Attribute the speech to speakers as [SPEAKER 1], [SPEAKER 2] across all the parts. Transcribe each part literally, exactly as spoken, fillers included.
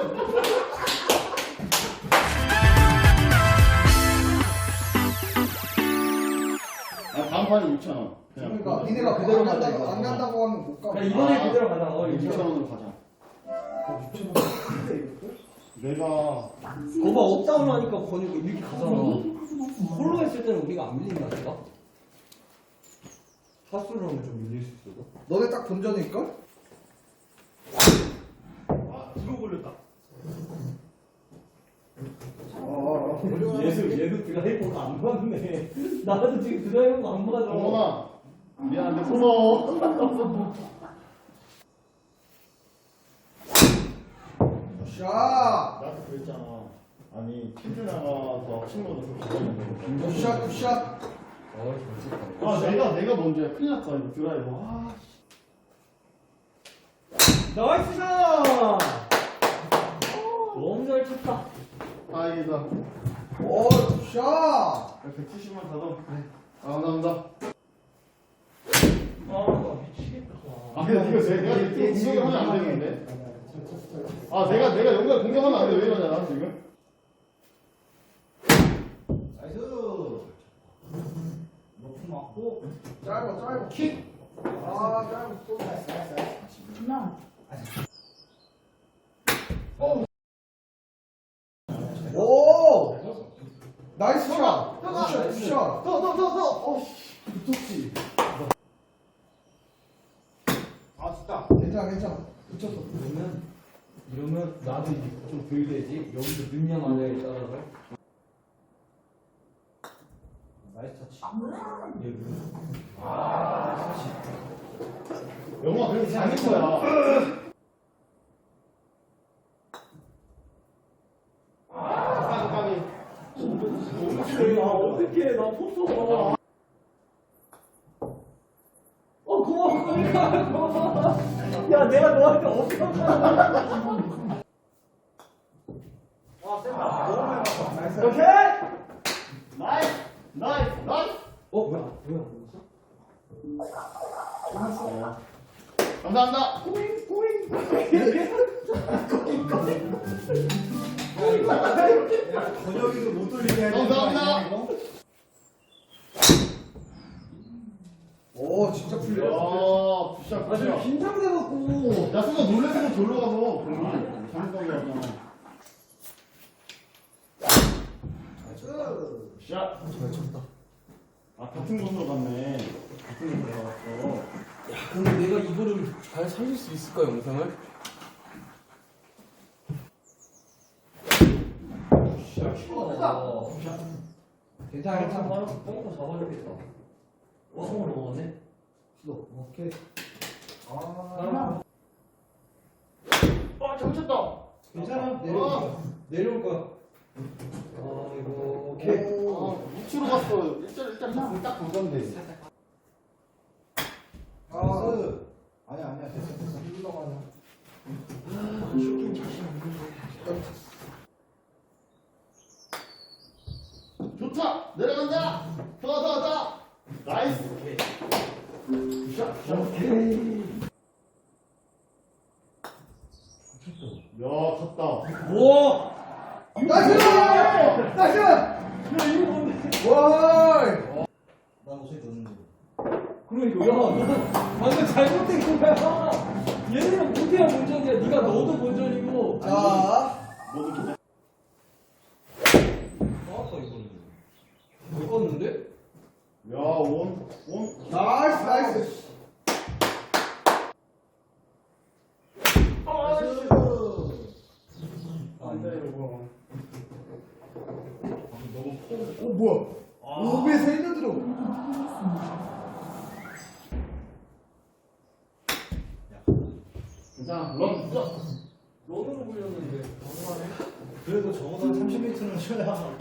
[SPEAKER 1] 아, 다음 판에 육천 원.
[SPEAKER 2] 그러니까 니네가 그대로 안 간다고, 안 간다고 하면 못 가.
[SPEAKER 3] 그냥 이번에
[SPEAKER 1] 아,
[SPEAKER 3] 그대로 가자. 어,
[SPEAKER 1] 육천
[SPEAKER 3] 육천 원.
[SPEAKER 1] 원으로 가자.
[SPEAKER 2] 육천 원.
[SPEAKER 1] 내가
[SPEAKER 3] 거봐 업다운 하니까 권유가 이렇게 가잖아. 홀로 했을 때는 우리가 안 밀린다니까? 사수로 하면 좀 밀릴 수 있어.
[SPEAKER 2] 너네 딱 본전일걸?
[SPEAKER 1] 아, 뒤로 걸렸다.
[SPEAKER 2] 어.
[SPEAKER 3] 얘도 얘도 드라이버가 안 맞네. 나도 지금 드라이버가 안 맞아.
[SPEAKER 1] 어머나. 미안한데 고마워.
[SPEAKER 2] 샷!
[SPEAKER 1] 나도 그랬잖아. 아니 퀴즈 나가서 친구들 그렇게
[SPEAKER 2] 굿샷, 굿샷.
[SPEAKER 3] 어, 잘
[SPEAKER 1] 아 내가 내가 먼저야. 큰일 났다 이거 드라이버. 아.
[SPEAKER 3] 나이스 샷! 너무 잘 쳤다.
[SPEAKER 1] 다행이다.
[SPEAKER 2] 오, 굿샷!
[SPEAKER 1] 백칠십만 가도 그래. 아 감사합니다.
[SPEAKER 3] 아, 나 미치겠다.
[SPEAKER 1] 아 근데 이거 내가 내가 공격을 하면 안 되는데. 아 내가 내가 여기가 공격하면 안 돼. 왜 이러냐 나 지금.
[SPEAKER 2] 나이스. 높은 맞고. 짧아, 짧아. 킥. 아, 짧아. 또 나이스, 나이스, 나이스. 어. 오! 나이스 샷! 굿샷, 굿샷!
[SPEAKER 1] 더더더더. 어. 붙었지.
[SPEAKER 2] 아, 좋다. 괜찮아, 괜찮아. 붙였어.
[SPEAKER 3] 그러면 이러면 나도 이제 좀 덜 되지. 여기서 능력 마냐에 따라서. 나이스 터치. 얘 아, 터치.
[SPEAKER 1] 영화 그래도 잘한 거야. 까비 까비.
[SPEAKER 3] 아, 어떡해. 나 포토가. 어, 고마워. 그러니까, 고마워. 야, 내가 너한테 엄청
[SPEAKER 2] 나이스.
[SPEAKER 1] 오케이. 나이스 나이스 나이스.
[SPEAKER 3] 어, 뭐야? 뭐야?
[SPEAKER 1] 어. 감사합니다. 꼬잉 꼬잉.
[SPEAKER 2] 번역이도 못 돌리게 해야
[SPEAKER 1] 감사합니다.
[SPEAKER 2] 오, 진짜 풀려.
[SPEAKER 1] 야, 굿샷
[SPEAKER 3] 아, 지금
[SPEAKER 1] 굿샷.
[SPEAKER 3] 긴장돼갖고.
[SPEAKER 1] 야, 순간 놀래서 졸로 가서. 잘못한 게 아니야.
[SPEAKER 2] 나이스.
[SPEAKER 1] 샷.
[SPEAKER 2] 잘 쳤다.
[SPEAKER 1] 아, 같은 곳으로 갔네. 같은 곳으로 갔어.
[SPEAKER 3] 야, 근데 내가 이거를 잘 살릴 수 있을까, 영상을? 야, 키가
[SPEAKER 2] 괜찮아, 괜찮아.
[SPEAKER 3] 바로 뻥고 잡아주겠다. 와, 성을 넘어갔네?
[SPEAKER 2] 수도. 오케이. 아,
[SPEAKER 3] 아,
[SPEAKER 1] 아, 잘못했다.
[SPEAKER 2] 괜찮아.
[SPEAKER 3] 내려올
[SPEAKER 1] 아.
[SPEAKER 3] 거야. 내려올 거야. 아이고, 오케이.
[SPEAKER 1] 아, 우측으로 갔어. 일절, 일절 딱 보던데.
[SPEAKER 2] 아, 아니야, 아니야. 됐어, 됐어. 흘러가냐.
[SPEAKER 3] 슈팅 자신 없는데.
[SPEAKER 1] 좋다. 내려간다. 더, 더, 더. 나이스. 샷, 샷.
[SPEAKER 3] 오케이.
[SPEAKER 1] 야, 쳤다.
[SPEAKER 3] 우와!
[SPEAKER 2] 나이스! 나이스!
[SPEAKER 3] 야, 이거 뭔데?
[SPEAKER 2] 와!
[SPEAKER 4] 난 옷을 넣는데.
[SPEAKER 3] 그러니까, 야, 너 방금 잘못된 거야. 얘네랑 못해야 본전이야. 네가 너도 본전이고.
[SPEAKER 2] 자,
[SPEAKER 1] 모두 기다.
[SPEAKER 3] 나왔다, 이거는. 왜 껐는데?
[SPEAKER 1] 야, 원, 원.
[SPEAKER 2] 나이스, 나이스.
[SPEAKER 1] 나이스. 안 돼, 이거. 너무 커.
[SPEAKER 2] 오, 뭐야? 오 배에서 일 년 들어.
[SPEAKER 1] 괜찮아. 런 있어.
[SPEAKER 3] 런으로 굴렸는데. 너무하네.
[SPEAKER 4] 그래도 적어도 한 삼십 미터는 쳐야.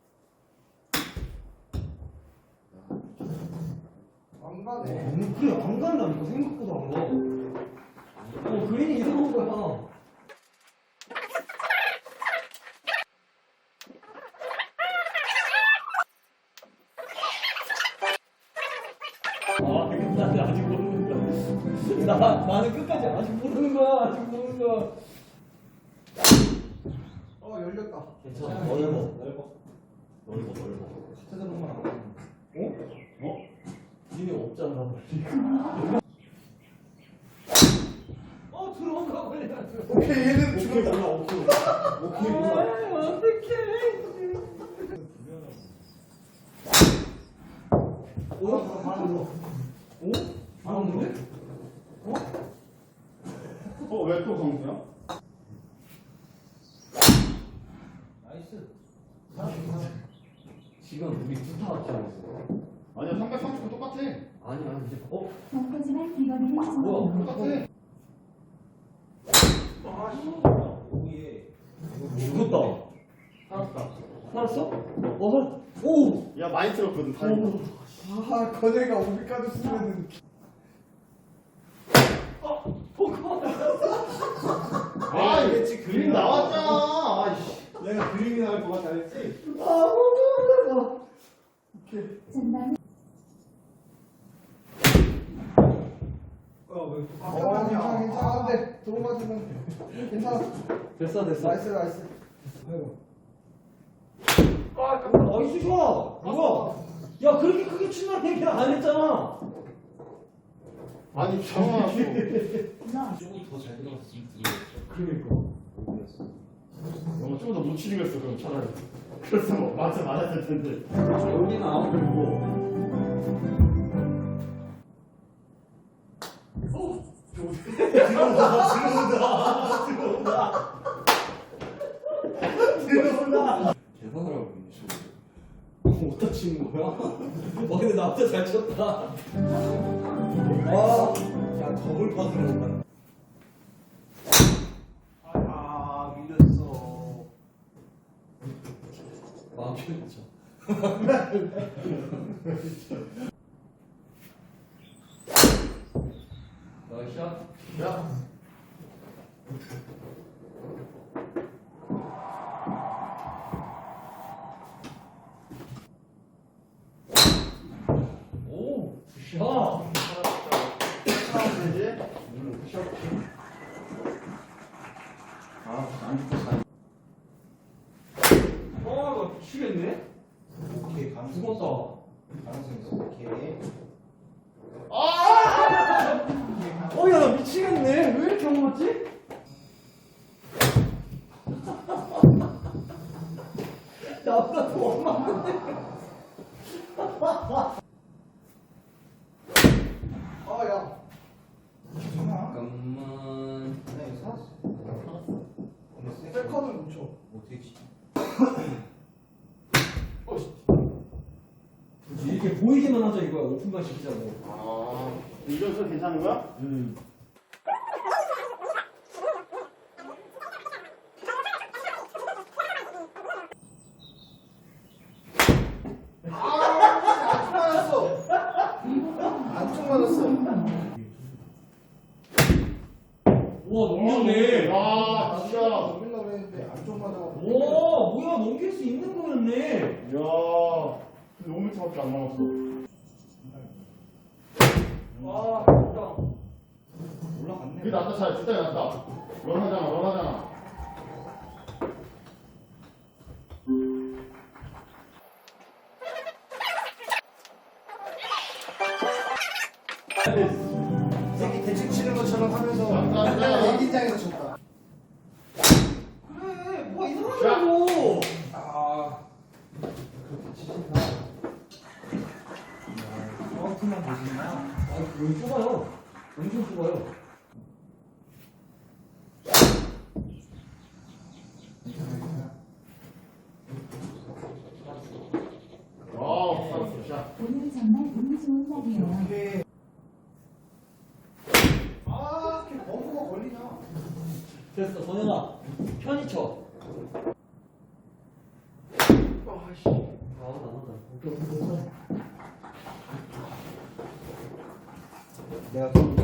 [SPEAKER 2] 안 가네.
[SPEAKER 3] 너무 그래, 안 간다니까. 생각보다 안 가. 어, 그린이 이상한 거야. 아, 끝까지 아직 모르는 거야. 나, 나는 끝까지 아직 모르는 거야. 아직 모르는 거야.
[SPEAKER 2] 될까?
[SPEAKER 3] 괜찮아. 넓어.
[SPEAKER 4] 넓어.
[SPEAKER 3] 넓어, 넓어.
[SPEAKER 4] 찾아보면 안 되는
[SPEAKER 3] 어? 어? 니네 없잖아. 어, 들어온가 버려.
[SPEAKER 2] 오케이 얘는
[SPEAKER 3] 오케이,
[SPEAKER 2] 죽었다.
[SPEAKER 3] 몰라, 오케이. 오케이, 몰라. 어떡해.
[SPEAKER 2] 오? 바로 뭐?
[SPEAKER 3] 오? 나오는데?
[SPEAKER 1] 어, 왜 또 강수야?
[SPEAKER 4] 나이스.
[SPEAKER 3] 지금 우리 두타 같이 하고 있어.
[SPEAKER 1] 아니야, 삼백삼십 분 똑같아.
[SPEAKER 3] 아니야, 이제. 어?
[SPEAKER 5] 하지만 이번에는
[SPEAKER 3] 뭐야?
[SPEAKER 1] 똑같아.
[SPEAKER 4] 오예.
[SPEAKER 3] 죽었다.
[SPEAKER 1] 살았다.
[SPEAKER 3] 살았어? 어, 살 오!
[SPEAKER 1] 야, 많이 틀었거든, 다행히.
[SPEAKER 2] 아 거제가 오비까지 쓰면은
[SPEAKER 1] 아,
[SPEAKER 2] 네,
[SPEAKER 1] 이게 그림 나왔잖아. 아이씨.
[SPEAKER 2] 내가 그림이 나올 것 같아 했지?
[SPEAKER 5] 전방에
[SPEAKER 2] 어 괜찮아 괜찮아 안돼 도움 맞으면 괜찮아
[SPEAKER 3] 됐어, 됐어.
[SPEAKER 2] 나이스 나이스
[SPEAKER 3] 아, 깜짝 나이스 샷! 뭐야? 야, 그렇게 크게 친다는 얘기 안 했잖아.
[SPEAKER 1] 아니, 정아.
[SPEAKER 4] 조금 더 잘 들어갔으면 들어갔어.
[SPEAKER 3] 그러니까.
[SPEAKER 1] 너무 좀더 묻히는 거였어, 그럼 차라리. 그래서 뭐, 맞아, 맞았을 텐데.
[SPEAKER 3] 여기는 아무도 고 대단하라고 이거 어디다 치는 거야? 어 근데 나보다 잘 쳤다.
[SPEAKER 4] 아, 야 더블 컷으로 간다.
[SPEAKER 2] 아 밀렸어
[SPEAKER 3] 마음 편했죠. 나이스 샷.
[SPEAKER 1] 야.
[SPEAKER 3] 오, 굿샷.
[SPEAKER 1] 하면 되지? 응, 푸시업. 아, 안 좋다.
[SPEAKER 3] 와, 나 미치겠네.
[SPEAKER 4] 오케이 가능성
[SPEAKER 3] 죽었다.
[SPEAKER 4] 있어. 가능성 있어. 오케이.
[SPEAKER 3] 어, 야, 나 미치겠네. 왜 이렇게 안 맞지? 나보다 더 맞는데.
[SPEAKER 2] 아야
[SPEAKER 3] 잠깐만.
[SPEAKER 4] 네, 살았어. 근데 세-
[SPEAKER 2] 셀카는 못 쳐.
[SPEAKER 4] 어떻게 치지?
[SPEAKER 3] 그렇지, 이렇게 보이게만 하자 이거야. 오픈만 시키자고.
[SPEAKER 1] 아, 이겨서 괜찮은 거야?
[SPEAKER 3] 음.
[SPEAKER 2] 맞았어 안쪽 맞았어
[SPEAKER 3] 우와, 넘겼네.
[SPEAKER 1] 아, 진짜. 야,
[SPEAKER 2] 넘기려고 그랬는데 안쪽 맞아가지고
[SPEAKER 3] 와, 뭐야, 넘길 수 있는 거였네.
[SPEAKER 1] 오 미터밖에 안 남았어.
[SPEAKER 3] 아, 진짜.
[SPEAKER 4] 올라갔네.
[SPEAKER 1] 그게 낫다, 잘, 진짜 낫다. 런하잖아, 런하잖아.
[SPEAKER 2] 새끼 대충 치는 것처럼 하면서
[SPEAKER 1] 감사합니다.
[SPEAKER 2] 애기장에서 쳤다
[SPEAKER 3] 그래, 뭐가 이상하다고.
[SPEAKER 2] 아
[SPEAKER 4] 정확히만 보시나?
[SPEAKER 3] 아, 여기 좁아요. 엄청 좁아요.
[SPEAKER 1] 와우, 살았어, 샷.
[SPEAKER 5] 오늘 정말 운이 좋은 날이에요.
[SPEAKER 2] 오케이 아 이렇게 버프가 걸리냐
[SPEAKER 3] 됐어, 선영아. 편히 쳐.
[SPEAKER 2] 아씨
[SPEAKER 3] 아, 나간다. 오케이, 오케이, 오케이.
[SPEAKER 4] 내가 또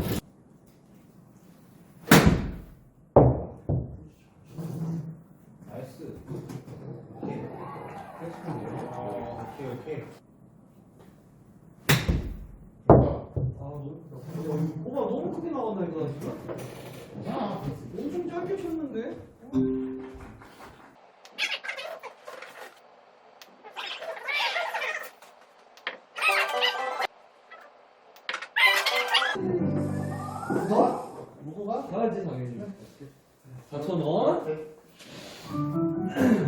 [SPEAKER 4] 나이스. 오케이. 아, 오케이 오케이.
[SPEAKER 3] 아, 너무 크다. 야, 이거 뭐가 너무 크게 나간다, 이거 지금?
[SPEAKER 1] 야,
[SPEAKER 3] 엄청 짧게 쳤는데?
[SPEAKER 2] 너? 뭐가?
[SPEAKER 3] 가야지 당연히. 사천 원.